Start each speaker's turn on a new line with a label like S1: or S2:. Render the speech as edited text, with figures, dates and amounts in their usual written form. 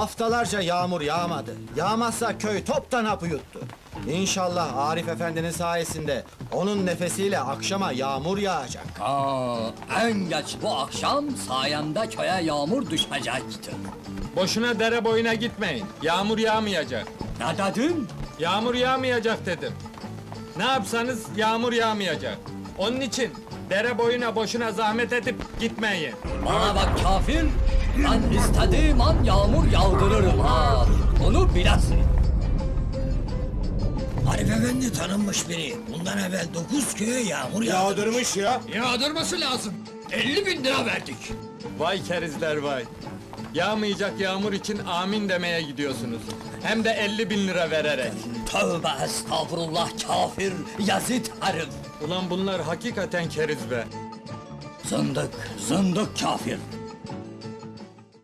S1: Haftalarca yağmur yağmadı. Yağmazsa köy toptan hapı yuttu. İnşallah Arif Efendi'nin sayesinde onun nefesiyle akşama yağmur yağacak.
S2: En geç bu akşam sayemde köye yağmur düşecektir.
S3: Boşuna dere boyuna gitmeyin. Yağmur yağmayacak.
S2: Ne dedin?
S3: Yağmur yağmayacak dedim. Ne yapsanız yağmur yağmayacak. Onun için dere boyuna boşuna zahmet edip gitmeyin.
S2: Bana bak kafir, ben istediğim an yağmur yağdırırım ha. Onu bilesin.
S4: Arif Efendi tanınmış biri. Bundan evvel 9 köye yağmur yağdırmış.
S2: Yağdırması lazım. 50.000 lira verdik.
S3: Vay kerizler vay. Yağmayacak yağmur için amin demeye gidiyorsunuz. Hem de 50.000 lira vererek.
S2: Tövbe estağfurullah kafir, yazıt herif.
S3: Ulan bunlar hakikaten keriz be.
S2: Zındık, zındık kafir.